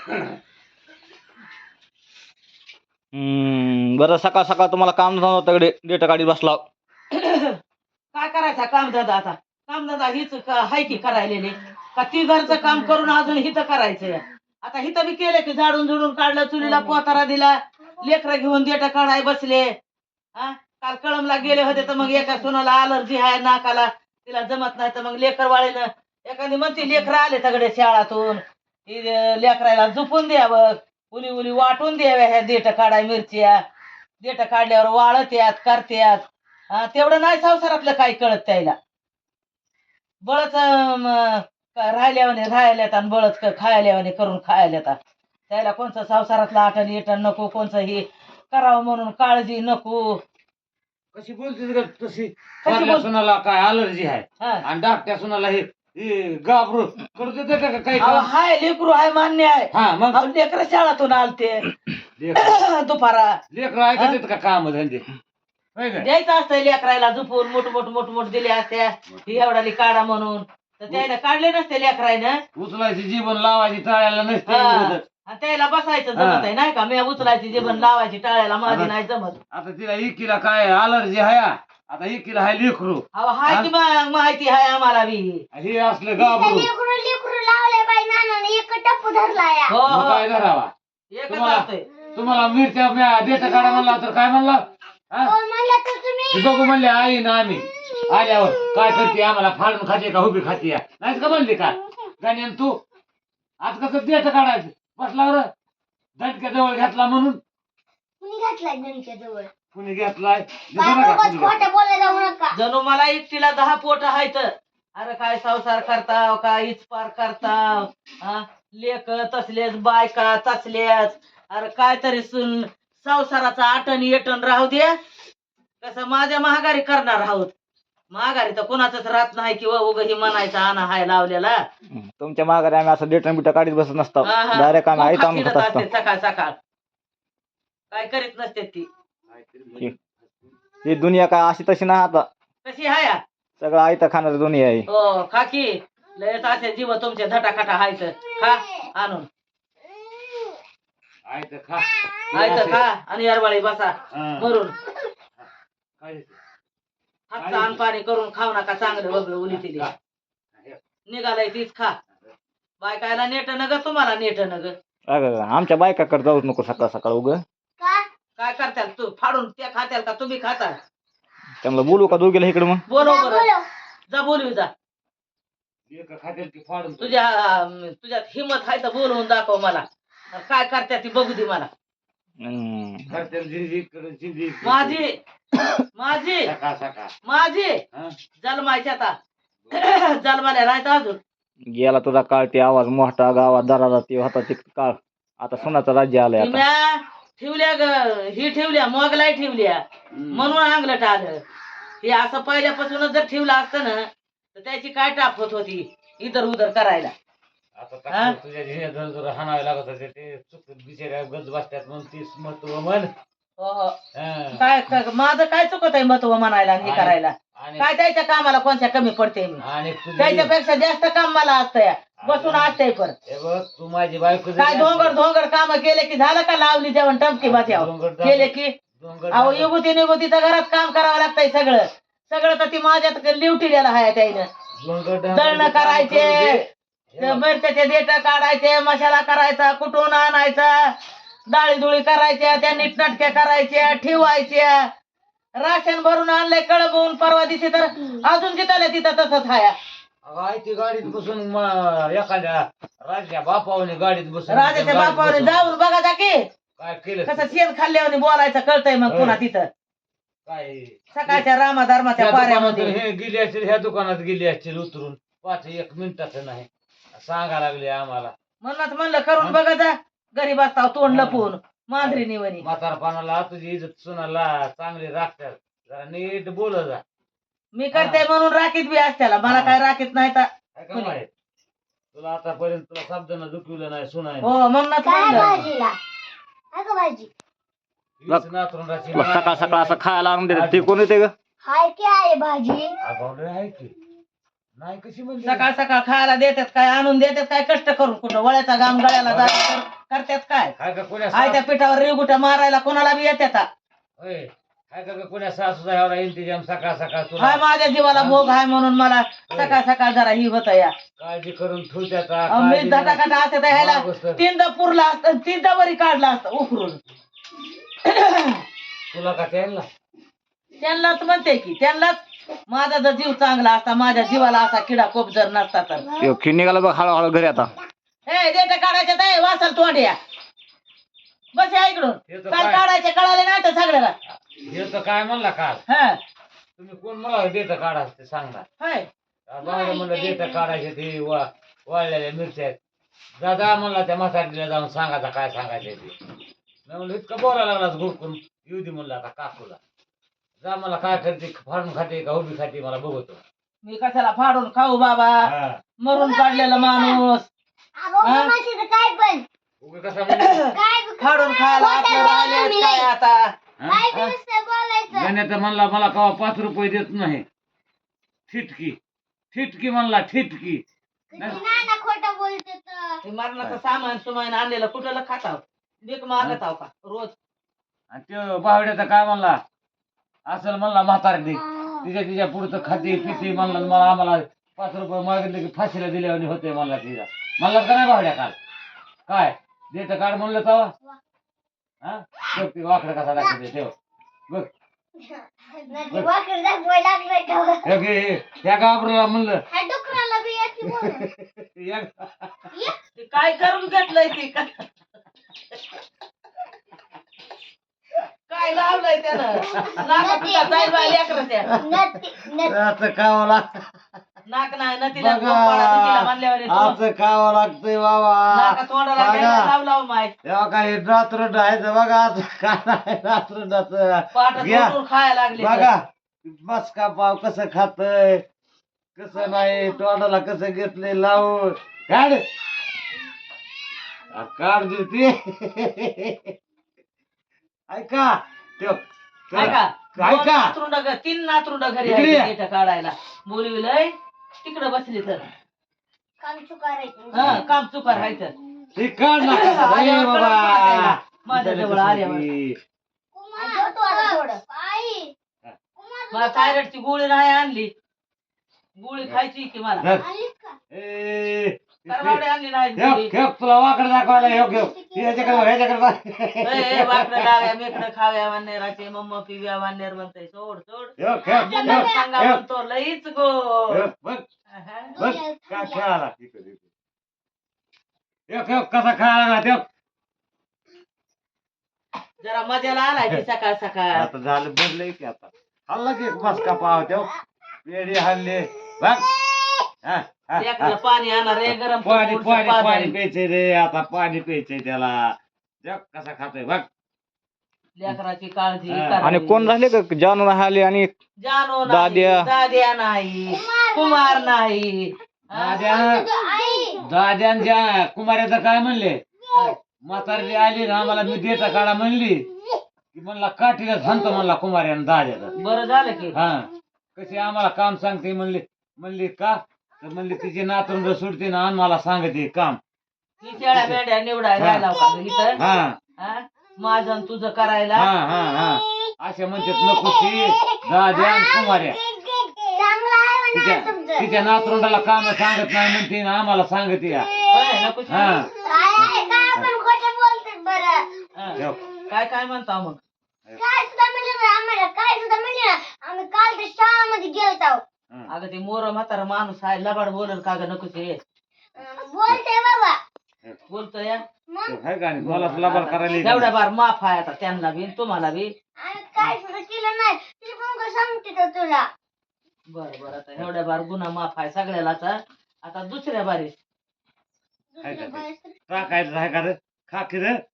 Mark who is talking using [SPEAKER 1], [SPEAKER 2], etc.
[SPEAKER 1] बरं सकाळ सकाळ तुम्हाला काम नव्हतं डेटा काढी बसला.
[SPEAKER 2] काय करायचा कामधंदा आता? कामधंदा हीच हाय की करायलेले का ती घरचं काम करून अजून हिथं करायचंय? आता हिथं बी केलं की झाडून झुडून काढलं, चुलीला पोतारा दिला, लेकरं घेऊन डेटा काढाय बसले. हा काल कळमला गेले होते तर मग एका सुनाला अलर्जी आहे नाकाला, तिला जमत नाही तर मग लेकर वाळीनं एखादी म्हणते लेकरं आले सगळे शाळातून, लेकराला झोपून द्यावं, उली उली वाटून द्याव्या ह्या देठ काढाय मिरच्या. देठ काढल्यावर वाळत्यात करत्यात. तेवढं नाही संसारातलं काही कळत त्याला. बळच राहिल्यावाने राहिल्यात आणि बळच खायल्यावाने करून खायल्यात. त्याला कोणचं संसारातलं आठण येटण नको, कोणचं हे करावं म्हणून काळजी नको.
[SPEAKER 3] कशी बोलते तशी? सुनाला काय अलर्जी आहे आणि धाकट्या सुनाला हे घाबरू करू देते का काही?
[SPEAKER 2] हाय लेकरू हाय मान्य आहे.
[SPEAKER 3] मग
[SPEAKER 2] लेकर शाळातून आलते दुपारा.
[SPEAKER 3] लेकर ऐकत का काम धंदे?
[SPEAKER 2] द्यायचं असतं लेकरायला झोपून मोठ दिले असत्या ही एवढाली काढा म्हणून, तर त्याला काढले नसते लेकरायनं.
[SPEAKER 3] उचलायची जीवन लावायची टाळायला नसते,
[SPEAKER 2] त्याला बसायचं जमत आहे नाही का? मी उचलायची जीवन लावायची टाळ्याला माझी नाही जमत.
[SPEAKER 3] आता तिला इकीला काय अलर्जी आहे? आता इकीला हाय लेकरू
[SPEAKER 2] हाय की मग माहिती आहे आम्हाला बी.
[SPEAKER 3] हे असलं घाबरू काय धरावा? तुम्हाला मिरच्या देता काढा म्हणला तर काय म्हणला? बघू म्हणले आई ना आम्ही आल्यावर काय करते, आम्हाला फाडून खाते का उभी खाते नाहीच का म्हणली का गाण्यान? तू आज कसं देत काढायचं बसला दणक्या जवळ घेतला म्हणून कुणी घेतलाय?
[SPEAKER 2] जणू मला एकटीला 10 पोट आहेत. अरे काय संसार करताव, काय इचपार करताव, लेक तसलेच बायका तसल्याच. अरे काय तरी संसाराचा आटण येटण राहू द्या. कसं माझ्या महागारी करणार आहोत. महागारी तर कोणाच राहत नाही किंवा उग ही म्हणायचा आणा हाय लावलेला.
[SPEAKER 1] तुमच्या माघारी आम्ही असं डेटा बिटा काढीत बसत नसतो, डायरेक्ट आम्ही आयत आणून खात असतो.
[SPEAKER 2] सकाळ सकाळ काय करीत नसते ती.
[SPEAKER 1] ही दुनिया काय अशी तशी नाही आता,
[SPEAKER 2] कशी हाय
[SPEAKER 1] सगळं आयत खाणार दुनिया आहे.
[SPEAKER 2] हो खाकी लयच असे जीव तुमचे धटाखटा हायत. खा आणून
[SPEAKER 3] आयत खा
[SPEAKER 2] खा आणि यारवाळी बसा भरून. हातचं अन्न पाणी करून खाऊ नका, चांगलं वगैरे उली तिली निघालाय तीच खा. बायकायला नेट न ग, तुम्हाला नेट न ग.
[SPEAKER 1] आमच्या बायकाकडे जाऊच नको सकाळ सकाळ उग.
[SPEAKER 2] काय करताल तू? फाडून त्या खात्याल का तुम्ही खाता?
[SPEAKER 1] त्यामुळे बोलू का दोघीला इकडे? मग
[SPEAKER 2] बोलव बरं, जा बोलवी जा. तुझ्यात हिंमत आहे तर बोलवून दाखव मला. काय करत्या ती बघू दे मला. माझी माझी माझी जन्मायच्या आता जन्माला राहत अजून.
[SPEAKER 1] गेला तुझा काळ, ते आवाज मोठा गावात दरारा ते होता ते काळ. आता सोनाचं राज्य आलंय.
[SPEAKER 2] ठेवल्या ग ही ठेवल्या मोगलाई ठेवल्या म्हणून अंगलट आलं. हे असं पहिल्यापासूनच जर ठेवलं असतं ना तर त्याची काय टापत होती इधर उधर करायला.
[SPEAKER 3] तुझ्या हाणावे लागत होते ते चुक बिचाऱ्या गज बसत्यात म्हणून तीच महत्व म्हण.
[SPEAKER 2] काय माझं काय चुकत आहे महत्व म्हणायला आणि हे करायला? काय त्याच्या कामाला कोणत्या कमी पडते मी? त्याच्यापेक्षा जास्त काम मला असतंय, बसून असतंय. पण
[SPEAKER 3] तू माझी बायको
[SPEAKER 2] काय धोंगड काम केले की झालं का? लावली जेवण टमकी बसल्यावर केले की अहो युगुती निगुतीचं घरात काम करावं लागतंय. सगळं तर ती माझ्यात लिवटी गेला आहे. त्यानं दळणं करायचे, मिरच्याचे देठ काढायचे, मसाला करायचा, कुठून आणायचा, डाळी दुळी करायच्या, त्या नीटनाटक्या करायच्या, ठेवायच्या. राशन भरून आणलंय कळबून परवा दिवशी तर अजून तिथं तसंच हाया.
[SPEAKER 3] ती गाडीत बसून एखाद्या राजाच्या बापावने गाडीत बसून
[SPEAKER 2] राजाच्या बापावने जाऊन बघा जा की
[SPEAKER 3] काय केलं,
[SPEAKER 2] कसं शेण खाल्ल्यावर बोलायचं कळतंय. मग पुन्हा तिथं
[SPEAKER 3] काय
[SPEAKER 2] सकाळच्या रामाधर्माच्या पाऱ्यामध्ये
[SPEAKER 3] हे गेली असतील, ह्या दुकानात गेली असतील उतरून 1 मिनिटाचं नाही सांगा लागले आम्हाला.
[SPEAKER 2] म्हणूनच म्हणलं करून बघा जा. गरीब असताव तोंड लपवून मांजरी निवणी.
[SPEAKER 3] म्हातारपणाला तुझी इज्जत सुनाला चांगली राखतात, जरा नीट बोल जा.
[SPEAKER 2] मी करते म्हणून राखीत बी असत्याला, मला काय राखीत नाही तर
[SPEAKER 3] तुला आतापर्यंत तुला शब्दानं दुखवलं नाही सुनाय.
[SPEAKER 2] हो म्हणूनच
[SPEAKER 1] सकाळ सकाळ असं खायला आणून देतात ते कोण येते ग?
[SPEAKER 3] आहे की नाही कशी म्हणजे
[SPEAKER 2] सकाळ सकाळ खायला देतात काय, आणून देतात काय, कष्ट करून कुठं वळ्याचा घाम गळ्याला जायचं करतात काय
[SPEAKER 3] हाय का कोण्या
[SPEAKER 2] आय त्या पिठावर रेगुट्या मारायला कोणाला बी येतात
[SPEAKER 3] होय हाय का कोण्या सासूचा एवढा इंतजाम सकाळ सकाळ
[SPEAKER 2] हाय
[SPEAKER 3] तुला
[SPEAKER 2] माझ्या जीवाला भोग आहे म्हणून मला सकाळ सकाळ जरा ही होत या
[SPEAKER 3] काळजी करून ठेवत्या
[SPEAKER 2] अहो, मी धटाकाटा असते तर ह्याला तीनदा पुरला असतं तीनदा वरी काढला असतं उकरून
[SPEAKER 3] तुला का त्यांना
[SPEAKER 2] त्यांनाच म्हणते की त्यांनाच माझा जर जीव चांगला असता माझ्या जीवाला असा किडा कोप जर नसता तर
[SPEAKER 1] यो खिन निघाला बघ हळूहळू घरी आता.
[SPEAKER 2] हे देठ काढायचे ते वासल तोंड्या बस या इकडून
[SPEAKER 3] हे तर
[SPEAKER 2] काल
[SPEAKER 3] काय?
[SPEAKER 2] काढायचे कळाले नाही तर सगळ्याला
[SPEAKER 3] हे तर काय म्हणला काल
[SPEAKER 2] हा
[SPEAKER 3] तुम्ही कोण मला डेट काढा ते सांगणार
[SPEAKER 2] होय
[SPEAKER 3] बाहेर म्हणलं डेट काढायचे ते वाळलेल्या मिरच्या आहेत. दादा म्हणला त्या मसाठीला जाऊन सांगायचा काय सांगायचं ते मी म्हणलं इतकं बोलायला लागलाच गुरकून येऊ दे म्हणलं आता काकूला जा मला काय करते फाडून खाते का उभी खाते मला बघतो
[SPEAKER 2] मी कशाला फाडून खाऊ बाबा
[SPEAKER 3] हा.
[SPEAKER 2] मरून काढलेला माणूस हा?
[SPEAKER 3] उगी कसा म्हणला
[SPEAKER 2] फाडून खायला आपलं राहिलेच काय आता
[SPEAKER 3] गाण्यात म्हणला मला कवा 5 रुपये देत नाही ठिटकी ठिटकी म्हणला ठिटकी
[SPEAKER 2] हे मरणाचं सामान सुमान आणलेलं कुठलं खाताव भीक मागत आहो का रोज
[SPEAKER 3] आणि त्यो बावड्याचा काय म्हणला असं म्हणला म्हातारडी तिच्या पुढचं खाते पिते म्हणला मला आम्हाला 5 रुपये मागितले की फाशीला दिल्यावर होते म्हणला तिला म्हणला का नाही बावड्या काल काय देत काढ म्हणलं तवा हा बघ ती वाकडं कसा दाखवते ठेव बघ हे घे, त्या गाबराला म्हणलं या-
[SPEAKER 2] ते काय करून घेतलंय ते काय लावलंय त्यानं नाक तुझा जाईल बाई लेकराच्या
[SPEAKER 3] असं खावं
[SPEAKER 2] नाक नाही ना तिला तिला म्हणल्यावर येतो.
[SPEAKER 3] असं खावं लागतंय बाबा
[SPEAKER 2] नाका तोंडाला
[SPEAKER 3] बघा.
[SPEAKER 2] घ्यायला लावलाव माय
[SPEAKER 3] तेव्हा काही रात्र डायचं बघा असं काय नाही रात्र
[SPEAKER 2] पाठ
[SPEAKER 3] घ्या.
[SPEAKER 2] धरून खायला लागली
[SPEAKER 3] बघा बस का पाव कसं खातय कसं नाही तोंडाला कसं घेतलंय लावून काढ काढ देते ऐका त्यो
[SPEAKER 2] ऐका
[SPEAKER 3] ऐका.
[SPEAKER 2] 3 नातरुंड घरी
[SPEAKER 3] इकडे
[SPEAKER 2] आहे
[SPEAKER 3] या.
[SPEAKER 2] तिथं काढायला बोलविलंय तिकडे बसली तर हा काम चुकार आहे तर
[SPEAKER 3] ते काढ ना
[SPEAKER 2] आल्यावर
[SPEAKER 3] बाबा
[SPEAKER 2] परत पाठायला. माझ्या जवळ आल्यावर मला थायरॉइडची गोळी नाही आणली गोळी खायची की मला करमावडे आणली नाही गोळी
[SPEAKER 3] तुला वाकड दाखवायला ह्याच्याकडे
[SPEAKER 2] वाकडं डाव्या मेकडं खाव्या वानेराचे मम्म पिव्या वानेर म्हणतंय सोड सोड सांगा म्हणतो लईच गो
[SPEAKER 3] काय खेळाला कसा खेळाला ना त्यो
[SPEAKER 2] जरा मजाला आलाय की सकाळ सकाळ
[SPEAKER 3] आता झालं बदलय की आता हल्ला की मस्का पाव त्यो पेढी हल्ले बघ
[SPEAKER 2] लेकराला पाणी आणा रे गरम
[SPEAKER 3] पाणी
[SPEAKER 2] करून
[SPEAKER 3] पाणी
[SPEAKER 2] पाणी.
[SPEAKER 3] पाणी प्यायचंय रे आता पाणी प्यायचंय त्याला जग कसा खातोय बघ
[SPEAKER 2] लेकराची काळजी
[SPEAKER 3] हा.
[SPEAKER 2] करावी.
[SPEAKER 1] आणि कोण राहिले का जानू आले आणि
[SPEAKER 2] जानू नाही,
[SPEAKER 1] दाद्या.
[SPEAKER 2] दाद्या नाही कुमार नाही
[SPEAKER 3] दाद्यांच्या कुमाऱ्याचं काय म्हणले म्हातारी आली ना आम्हाला मी देता काढा म्हणली की म्हणला काठीला सांगतो म्हणला कुमाऱ्यानं दाद्याचं
[SPEAKER 2] बरं झालं की
[SPEAKER 3] हा कशी आम्हाला काम सांगते म्हणली का तर म्हणली तिची नातरुंड सुटते ना आणि मला सांगते काम
[SPEAKER 2] ही शेळ्या मेंढ्या निवडाय राहिला का ग इथं
[SPEAKER 3] हा
[SPEAKER 2] हा? माझं आणि तुझं करायला
[SPEAKER 3] हा हा हा अशा म्हणतात नको ती दाद्या आणि कुमाऱ्या तिच्या नातरुंडाला काम सांगत नाही म्हणते ना आम्हाला सांगते या
[SPEAKER 2] होय, नको
[SPEAKER 3] हा
[SPEAKER 2] हा. काय काय म्हणता मग अगं ते मोर म्हातारा माणूस आहे लबाड बोलल का ग नको ते बोलतोय या.
[SPEAKER 3] हाय का नाही? मला लबाड करायला
[SPEAKER 2] एवढ्या बार माफ आहे आता त्यांना बी तुम्हाला बी बरं बरं आता एवढ्या बार गुन्हा माफ आहे सगळ्याला आता दुसऱ्या बारी
[SPEAKER 3] टाकायचं आहे का रे खा की रे